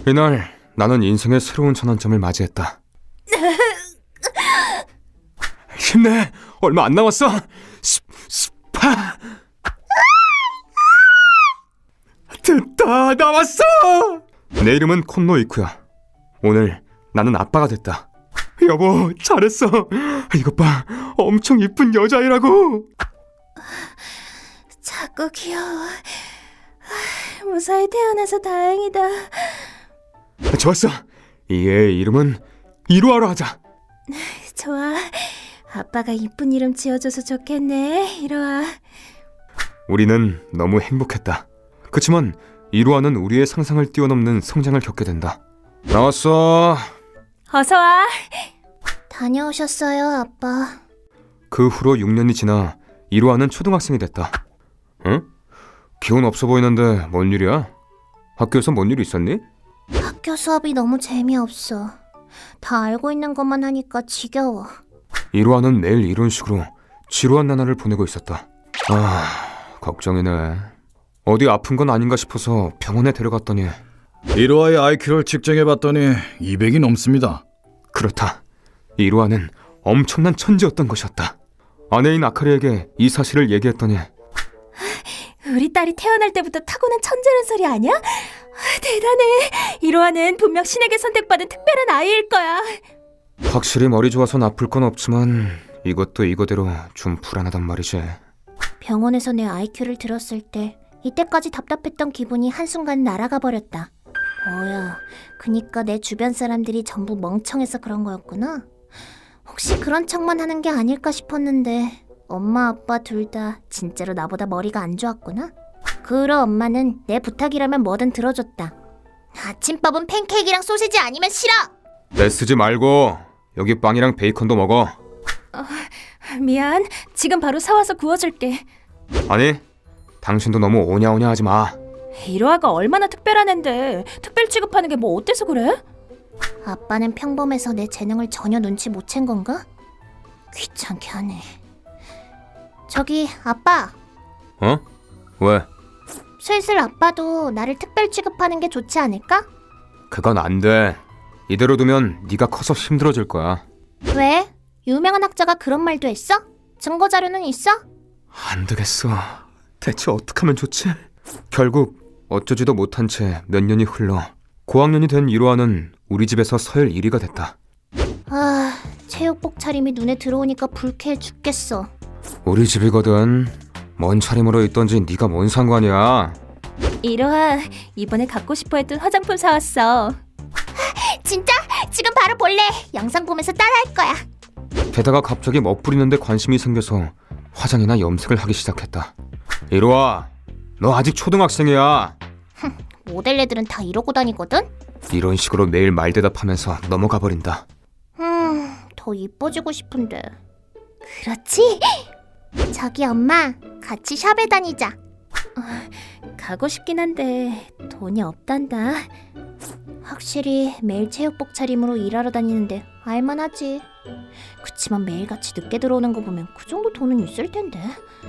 이날 나는 인생의 새로운 전환점을 맞이했다. 힘내! 얼마 안 남았어! 스파! 됐다! 나왔어! 내 이름은 콘노 이쿠야. 오늘 나는 아빠가 됐다. 여보, 잘했어. 이것 봐, 엄청 이쁜 여자애라고. 자꾸 귀여워. 무사히 태어나서 다행이다. 좋았어. 이 애의 이름은 이루아로 하자. 좋아. 아빠가 이쁜 이름 지어줘서 좋겠네. 이로아. 우리는 너무 행복했다. 그치만 이루아는 우리의 상상을 뛰어넘는 성장을 겪게 된다. 나왔어. 어서 와. 다녀오셨어요, 아빠. 그 후로 6년이 지나 이루아는 초등학생이 됐다. 응? 기운 없어 보이는데 뭔 일이야? 학교에서 뭔 일 있었니? 학교 수업이 너무 재미없어. 다 알고 있는 것만 하니까 지겨워. 이루아는 매일 이런 식으로 지루한 나날을 보내고 있었다. 걱정이네. 어디 아픈 건 아닌가 싶어서 병원에 데려갔더니 이루아의 IQ를 측정해봤더니 200이 넘습니다. 그렇다. 이루아는 엄청난 천재였던 것이었다. 아내인 아카리에게 이 사실을 얘기했더니 우리 딸이 태어날 때부터 타고난 천재란 소리 아니야? 대단해. 이로아는 분명 신에게 선택받은 특별한 아이일 거야. 확실히 머리 좋아서 나쁠 건 없지만 이것도 이거대로 좀 불안하단 말이지. 병원에서 내 IQ를 들었을 때 이때까지 답답했던 기분이 한순간 날아가 버렸다. 뭐야, 그니까 내 주변 사람들이 전부 멍청해서 그런 거였구나. 혹시 그런 척만 하는 게 아닐까 싶었는데 엄마 아빠 둘 다 진짜로 나보다 머리가 안 좋았구나. 그러 엄마는 내 부탁이라면 뭐든 들어줬다. 아침밥은 팬케이크랑 소시지 아니면 싫어! 애쓰지 말고 여기 빵이랑 베이컨도 먹어. 미안, 지금 바로 사와서 구워줄게. 아니, 당신도 너무 오냐오냐 하지 마. 이로아가 얼마나 특별한 앤데 특별 취급하는 게 뭐 어때서 그래? 아빠는 평범해서 내 재능을 전혀 눈치 못 챈 건가? 귀찮게 하네. 저기 아빠, 어? 왜? 슬슬 아빠도 나를 특별 취급하는 게 좋지 않을까? 그건 안 돼. 이대로 두면 네가 커서 힘들어질 거야. 왜? 유명한 학자가 그런 말도 했어? 증거 자료는 있어? 안 되겠어. 대체 어떻게 하면 좋지? 결국 어쩌지도 못한 채 몇 년이 흘러 고학년이 된 이로아는 우리 집에서 서열 1위가 됐다. 체육복 차림이 눈에 들어오니까 불쾌해 죽겠어. 우리 집이거든. 뭔 차림으로 있던지 네가 뭔 상관이야. 이로아, 이번에 갖고 싶어 했던 화장품 사왔어. 진짜? 지금 바로 볼래. 영상 보면서 따라할 거야. 게다가 갑자기 멋부리는데 관심이 생겨서 화장이나 염색을 하기 시작했다. 이로아, 너 아직 초등학생이야. 모델 애들은 다 이러고 다니거든? 이런 식으로 매일 말대답하면서 넘어가 버린다. 더 이뻐지고 싶은데. 그렇지? 저기 엄마, 같이 샵에 다니자. 가고 싶긴 한데 돈이 없단다. 확실히 매일 체육복 차림으로 일하러 다니는데 알만하지. 그치만 매일같이 늦게 들어오는 거 보면 그 정도 돈은 있을 텐데.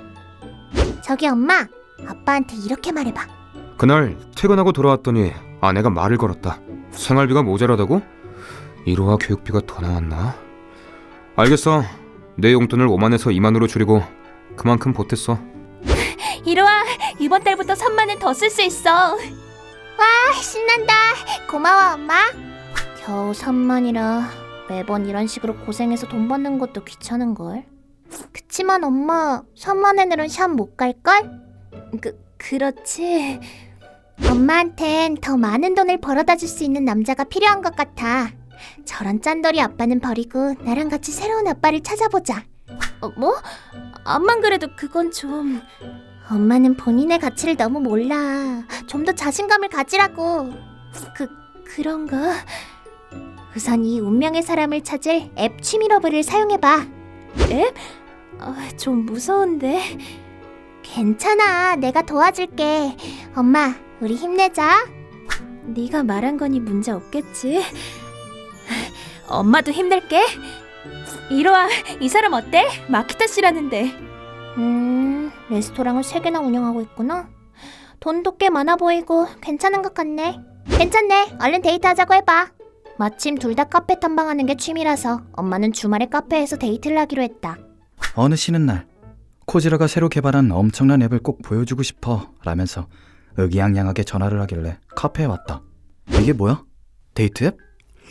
저기 엄마, 아빠한테 이렇게 말해봐. 그날 퇴근하고 돌아왔더니 아내가 말을 걸었다. 생활비가 모자라다고? 이로와 교육비가 더 나왔나? 알겠어. 내 용돈을 5만에서 2만으로 줄이고 그만큼 보탰어. 이로아, 이번 달부터 3만원 더 쓸 수 있어. 와, 신난다. 고마워 엄마. 겨우 3만이라 매번 이런 식으로 고생해서 돈 받는 것도 귀찮은걸. 그치만 엄마, 3만원으로는 샵 못 갈걸? 그렇지. 엄마한텐 더 많은 돈을 벌어다 줄 수 있는 남자가 필요한 것 같아. 저런 짠돌이 아빠는 버리고 나랑 같이 새로운 아빠를 찾아보자. 뭐? 암만 그래도 그건 좀... 엄마는 본인의 가치를 너무 몰라. 좀 더 자신감을 가지라고. 그런가? 우선 이 운명의 사람을 찾을 앱 취미러브를 사용해봐. 앱? 좀 무서운데. 괜찮아, 내가 도와줄게. 엄마, 우리 힘내자. 네가 말한 거니 문제 없겠지? 엄마도 힘낼게. 이로아, 이 사람 어때? 마키타 씨라는데. 레스토랑을 3개나 운영하고 있구나. 돈도 꽤 많아 보이고 괜찮은 것 같네. 괜찮네. 얼른 데이트하자고 해봐. 마침 둘 다 카페 탐방하는 게 취미라서 엄마는 주말에 카페에서 데이트를 하기로 했다. 어느 쉬는 날 코지라가 새로 개발한 엄청난 앱을 꼭 보여주고 싶어 라면서 의기양양하게 전화를 하길래 카페에 왔다. 이게 뭐야? 데이트 앱?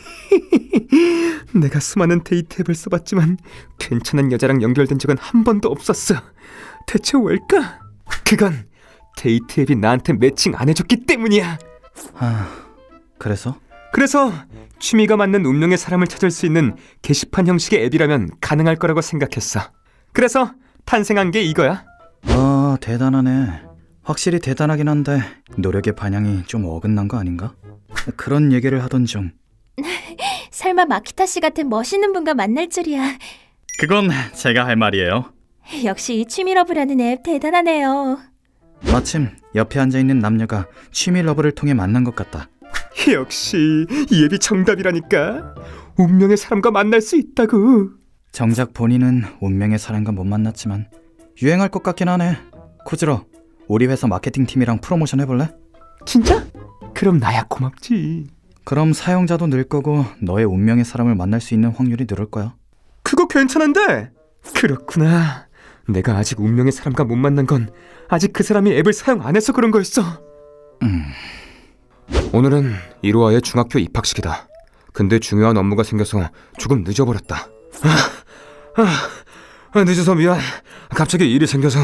내가 수많은 데이트 앱을 써봤지만 괜찮은 여자랑 연결된 적은 한 번도 없었어. 대체 왜일까? 그건 데이트 앱이 나한테 매칭 안 해줬기 때문이야. 그래서? 그래서 취미가 맞는 운명의 사람을 찾을 수 있는 게시판 형식의 앱이라면 가능할 거라고 생각했어. 그래서 탄생한 게 이거야. 대단하네. 확실히 대단하긴 한데 노력의 반향이 좀 어긋난 거 아닌가? 그런 얘기를 하던 중 설마 마키타 씨 같은 멋있는 분과 만날 줄이야. 그건 제가 할 말이에요. 역시 이 취미러브라는 앱 대단하네요. 마침 옆에 앉아있는 남녀가 취미 러브를 통해 만난 것 같다. 역시 이 앱이 정답이라니까. 운명의 사람과 만날 수 있다고. 정작 본인은 운명의 사람과 못 만났지만 유행할 것 같긴 하네. 코지러, 우리 회사 마케팅팀이랑 프로모션 해볼래? 진짜? 그럼 나야 고맙지. 그럼 사용자도 늘 거고 너의 운명의 사람을 만날 수 있는 확률이 늘을 거야. 그거 괜찮은데? 그렇구나. 내가 아직 운명의 사람과 못 만난 건 아직 그 사람이 앱을 사용 안 해서 그런 거였어. 오늘은 이로아의 중학교 입학식이다. 근데 중요한 업무가 생겨서 조금 늦어버렸다. 늦어서 미안. 갑자기 일이 생겨서.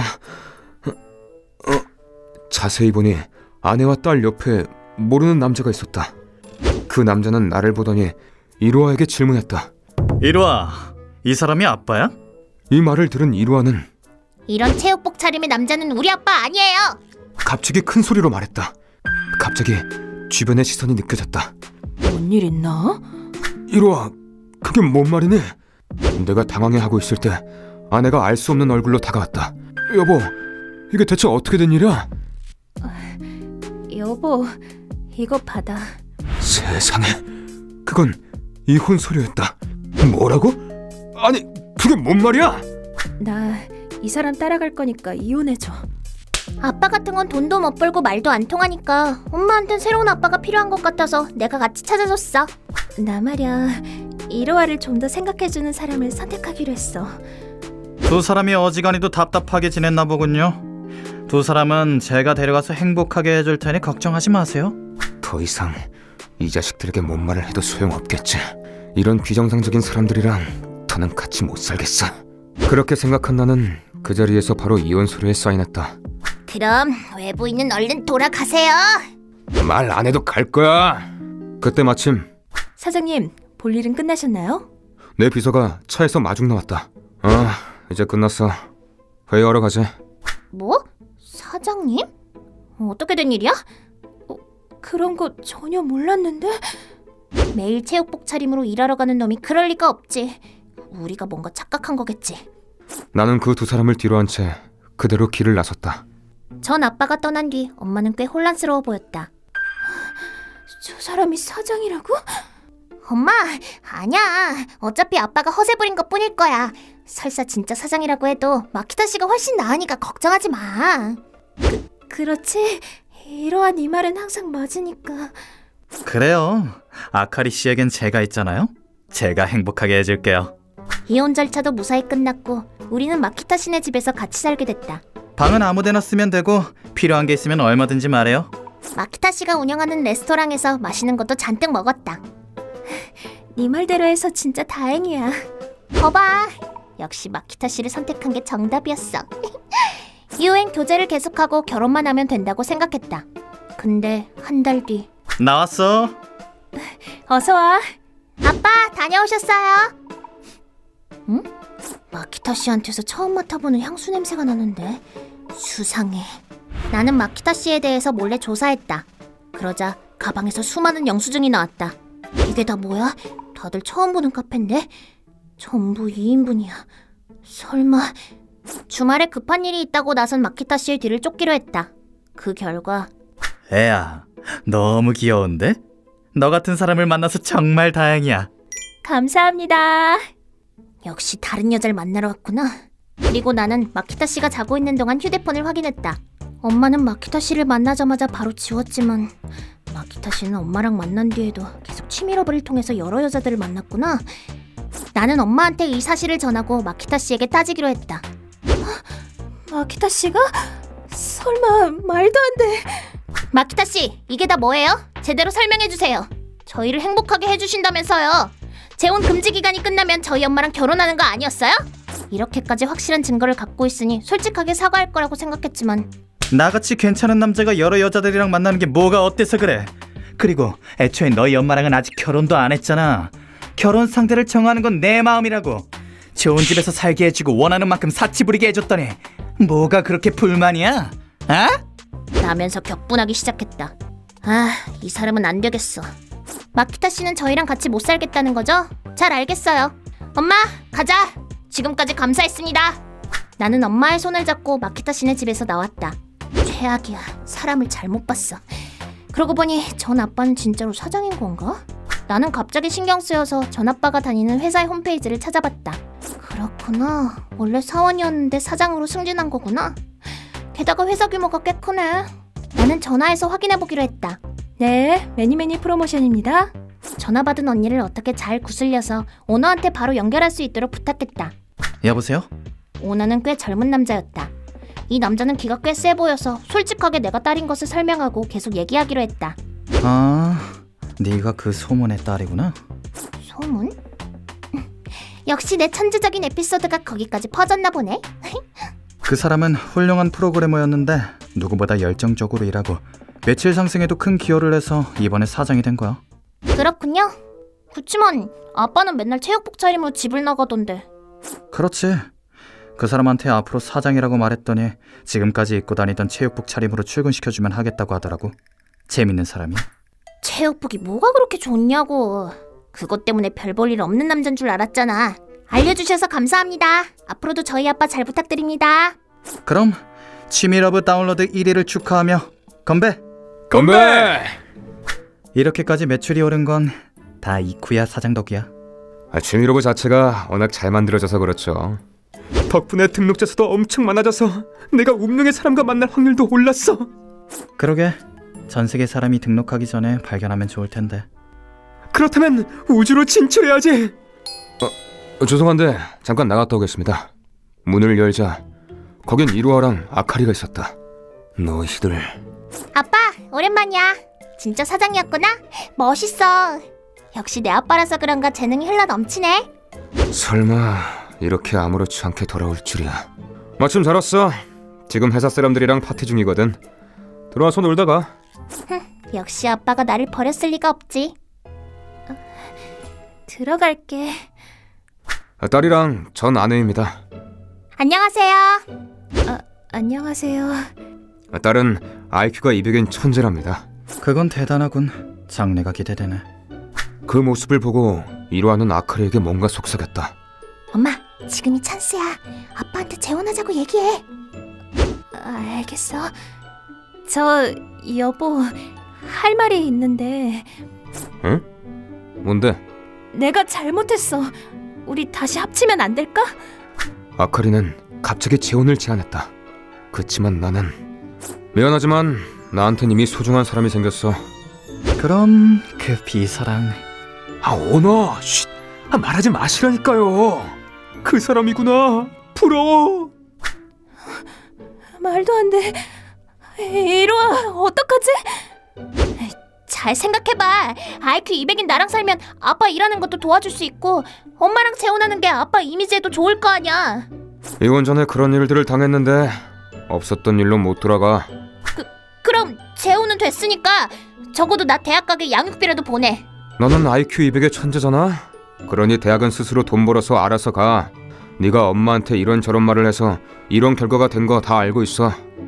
자세히 보니 아내와 딸 옆에 모르는 남자가 있었다. 그 남자는 나를 보더니 이로아에게 질문했다. 이로아, 이 사람이 아빠야? 이 말을 들은 이로아는 이런 체육복 차림의 남자는 우리 아빠 아니에요. 갑자기 큰 소리로 말했다. 갑자기 주변의 시선이 느껴졌다. 뭔 일 있나? 이로아, 그게 뭔 말이니? 내가 당황해하고 있을 때 아내가 알 수 없는 얼굴로 다가왔다. 여보, 이게 대체 어떻게 된 일이야? 여보, 이거 받아. 세상에, 그건 이혼 서류였다. 뭐라고? 아니, 그게 뭔 말이야? 나 이 사람 따라갈 거니까 이혼해줘. 아빠 같은 건 돈도 못 벌고 말도 안 통하니까 엄마한텐 새로운 아빠가 필요한 것 같아서 내가 같이 찾아줬어. 나 말야, 이로아를 좀 더 생각해주는 사람을 선택하기로 했어. 두 사람이 어지간히도 답답하게 지냈나 보군요. 두 사람은 제가 데려가서 행복하게 해줄 테니 걱정하지 마세요. 더 이상 이 자식들에게 뭔 말을 해도 소용없겠지. 이런 비정상적인 사람들이랑 더는 같이 못 살겠어. 그렇게 생각한 나는 그 자리에서 바로 이혼 서류에 사인했다. 그럼 외부인은 얼른 돌아가세요. 말 안 해도 갈 거야. 그때 마침 사장님, 볼 일은 끝나셨나요? 내 비서가 차에서 마중 나왔다. 이제 끝났어. 회의하러 가지. 뭐? 사장님? 어떻게 된 일이야? 그런 거 전혀 몰랐는데? 매일 체육복 차림으로 일하러 가는 놈이 그럴 리가 없지. 우리가 뭔가 착각한 거겠지. 나는 그 두 사람을 뒤로 한 채 그대로 길을 나섰다. 전 아빠가 떠난 뒤 엄마는 꽤 혼란스러워 보였다. 저 사람이 사장이라고? 엄마, 아니야. 어차피 아빠가 허세 부린 것 뿐일 거야. 설사 진짜 사장이라고 해도 마키타 씨가 훨씬 나으니까 걱정하지 마. 그렇지. 이러한 이 말은 항상 맞으니까. 그래요. 아카리 씨에겐 제가 있잖아요. 제가 행복하게 해줄게요. 이혼 절차도 무사히 끝났고 우리는 마키타 씨네 집에서 같이 살게 됐다. 방은 아무데나 쓰면 되고 필요한 게 있으면 얼마든지 말해요. 마키타 씨가 운영하는 레스토랑에서 맛있는 것도 잔뜩 먹었다. 네 말대로 해서 진짜 다행이야. 거봐, 역시 마키타 씨를 선택한 게 정답이었어. 유엔 교제를 계속하고 결혼만 하면 된다고 생각했다. 근데 한 달 뒤. 나왔어. 어서 와. 아빠, 다녀오셨어요? 응? 마키타 씨한테서 처음 맡아보는 향수 냄새가 나는데 수상해. 나는 마키타 씨에 대해서 몰래 조사했다. 그러자 가방에서 수많은 영수증이 나왔다. 이게 다 뭐야? 다들 처음 보는 카페인데? 전부 2인분이야. 설마... 주말에 급한 일이 있다고 나선 마키타 씨의 뒤를 쫓기로 했다. 그 결과 애야, 너무 귀여운데? 너 같은 사람을 만나서 정말 다행이야. 감사합니다. 역시 다른 여자를 만나러 왔구나. 그리고 나는 마키타 씨가 자고 있는 동안 휴대폰을 확인했다. 엄마는 마키타 씨를 만나자마자 바로 지웠지만 마키타 씨는 엄마랑 만난 뒤에도 계속 취미러브를 통해서 여러 여자들을 만났구나. 나는 엄마한테 이 사실을 전하고 마키타 씨에게 따지기로 했다. 마키타 씨가? 설마 말도 안 돼. 마키타 씨, 이게 다 뭐예요? 제대로 설명해 주세요. 저희를 행복하게 해주신다면서요. 재혼 금지 기간이 끝나면 저희 엄마랑 결혼하는 거 아니었어요? 이렇게까지 확실한 증거를 갖고 있으니 솔직하게 사과할 거라고 생각했지만 나같이 괜찮은 남자가 여러 여자들이랑 만나는 게 뭐가 어때서 그래? 그리고 애초에 너희 엄마랑은 아직 결혼도 안 했잖아. 결혼 상대를 정하는 건 내 마음이라고. 좋은 집에서 살게 해주고 원하는 만큼 사치 부리게 해줬더니 뭐가 그렇게 불만이야? 아? 라면서 격분하기 시작했다. 이 사람은 안 되겠어. 마키타 씨는 저희랑 같이 못 살겠다는 거죠? 잘 알겠어요. 엄마, 가자. 지금까지 감사했습니다. 나는 엄마의 손을 잡고 마키타 씨네 집에서 나왔다. 최악이야. 사람을 잘못 봤어. 그러고 보니 전 아빠는 진짜로 사장인 건가? 나는 갑자기 신경 쓰여서 전 아빠가 다니는 회사의 홈페이지를 찾아봤다. 그렇구나. 원래 사원이었는데 사장으로 승진한 거구나. 게다가 회사 규모가 꽤 크네. 나는 전화해서 확인해보기로 했다. 네, 매니매니 프로모션입니다. 전화 받은 언니를 어떻게 잘 구슬려서 오너한테 바로 연결할 수 있도록 부탁했다. 여보세요? 오너는 꽤 젊은 남자였다. 이 남자는 기가 꽤 세 보여서 솔직하게 내가 딸인 것을 설명하고 계속 얘기하기로 했다. 아, 네가 그 소문의 딸이구나. 소문? 역시 내 천재적인 에피소드가 거기까지 퍼졌나 보네. 그 사람은 훌륭한 프로그래머였는데 누구보다 열정적으로 일하고 매출 상승에도 큰 기여를 해서 이번에 사장이 된 거야. 그렇군요. 그치만 아빠는 맨날 체육복 차림으로 집을 나가던데. 그렇지. 그 사람한테 앞으로 사장이라고 말했더니 지금까지 입고 다니던 체육복 차림으로 출근시켜주면 하겠다고 하더라고. 재밌는 사람이야. 체육복이 뭐가 그렇게 좋냐고. 그것 때문에 별 볼 일 없는 남잔 줄 알았잖아. 알려주셔서 감사합니다. 앞으로도 저희 아빠 잘 부탁드립니다. 그럼 취미러브 다운로드 1위를 축하하며 건배! 건배! 이렇게까지 매출이 오른 건 다 이쿠야 사장 덕이야. 취미로브 자체가 워낙 잘 만들어져서 그렇죠. 덕분에 등록자 수도 엄청 많아져서 내가 운명의 사람과 만날 확률도 올랐어. 그러게 전 세계 사람이 등록하기 전에 발견하면 좋을 텐데. 그렇다면 우주로 진출해야지. 죄송한데 잠깐 나갔다 오겠습니다. 문을 열자 거긴 이루아랑 아카리가 있었다. 너희들. 아빠, 오랜만이야. 진짜 사장이었구나? 멋있어. 역시 내 아빠라서 그런가 재능이 흘러 넘치네. 설마 이렇게 아무렇지 않게 돌아올 줄이야. 마침 잘 왔어. 지금 회사 사람들이랑 파티 중이거든. 들어와서 놀다가. 역시 아빠가 나를 버렸을 리가 없지. 들어갈게. 딸이랑 전 아내입니다. 안녕하세요. 안녕하세요. 딸은 IQ가 200인 천재랍니다. 그건 대단하군. 장래가 기대되네. 그 모습을 보고 이루아는 아카리에게 뭔가 속삭였다. 엄마, 지금이 찬스야. 아빠한테 재혼하자고 얘기해. 알겠어. 저 여보, 할 말이 있는데. 응? 뭔데? 내가 잘못했어. 우리 다시 합치면 안 될까? 아카리는 갑자기 재혼을 제안했다. 그치만 나는 미안하지만 나한텐 이미 소중한 사람이 생겼어. 그럼 그 비사랑 오너! 쉿! 말하지 마시라니까요. 그 사람이구나. 부러워. 말도 안 돼. 이루아, 어떡하지? 잘 생각해봐. IQ 200인 나랑 살면 아빠 일하는 것도 도와줄 수 있고 엄마랑 재혼하는 게 아빠 이미지에도 좋을 거 아니야. 이혼 전에 그런 일들을 당했는데 없었던 일로 못 돌아가. 그럼 재혼은 됐으니까 적어도 나 대학 가게 양육비라도 보내. 너는 IQ 200의 천재잖아. 그러니 대학은 스스로 돈 벌어서 알아서 가. 네가 엄마한테 이런저런 말을 해서 이런 결과가 된 거 다 알고 있어.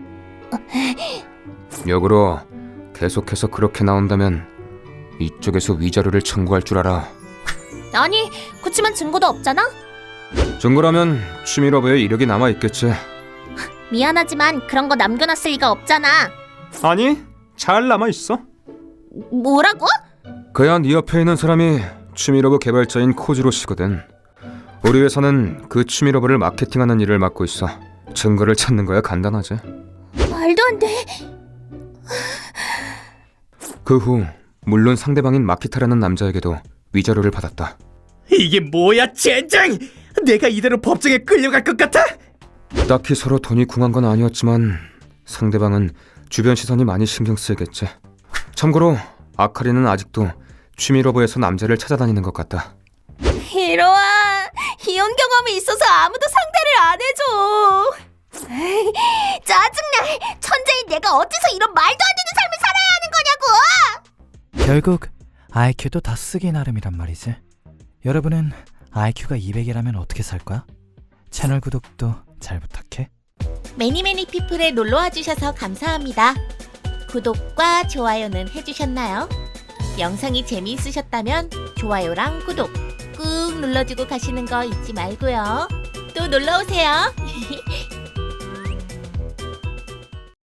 역으로 계속해서 그렇게 나온다면 이쪽에서 위자료를 청구할 줄 알아. 아니, 그치만 증거도 없잖아? 증거라면 취미러브에 이력이 남아있겠지. 미안하지만 그런 거 남겨놨을 리가 없잖아. 아니, 잘 남아있어. 뭐라고? 그야 네 옆에 있는 사람이 취미러브 개발자인 코지로 씨거든. 우리 회사는 그 취미러브를 마케팅하는 일을 맡고 있어. 증거를 찾는 거야 간단하지. 말도 안 돼. 그 후 물론 상대방인 마키타라는 남자에게도 위자료를 받았다. 이게 뭐야 젠장! 내가 이대로 법정에 끌려갈 것 같아? 딱히 서로 돈이 궁한 건 아니었지만 상대방은 주변 시선이 많이 신경 쓰이겠지. 참고로 아카리는 아직도 취미러브에서 남자를 찾아다니는 것 같다. 이로아, 이혼 경험이 있어서 아무도 상대를 안 해줘. 에이, 짜증나. 천재인 내가 어째서 이런 말도 안 되는 삶을 살아야 하는 거냐고. 결국 IQ도 다 쓰기 나름이란 말이지. 여러분은 IQ가 200이라면 어떻게 살 거야? 채널 구독도 잘 부탁해. 매니매니 피플에 놀러와 주셔서 감사합니다. 구독과 좋아요는 해주셨나요? 영상이 재미있으셨다면 좋아요랑 구독 꾹 눌러주고 가시는 거 잊지 말고요. 또 놀러오세요.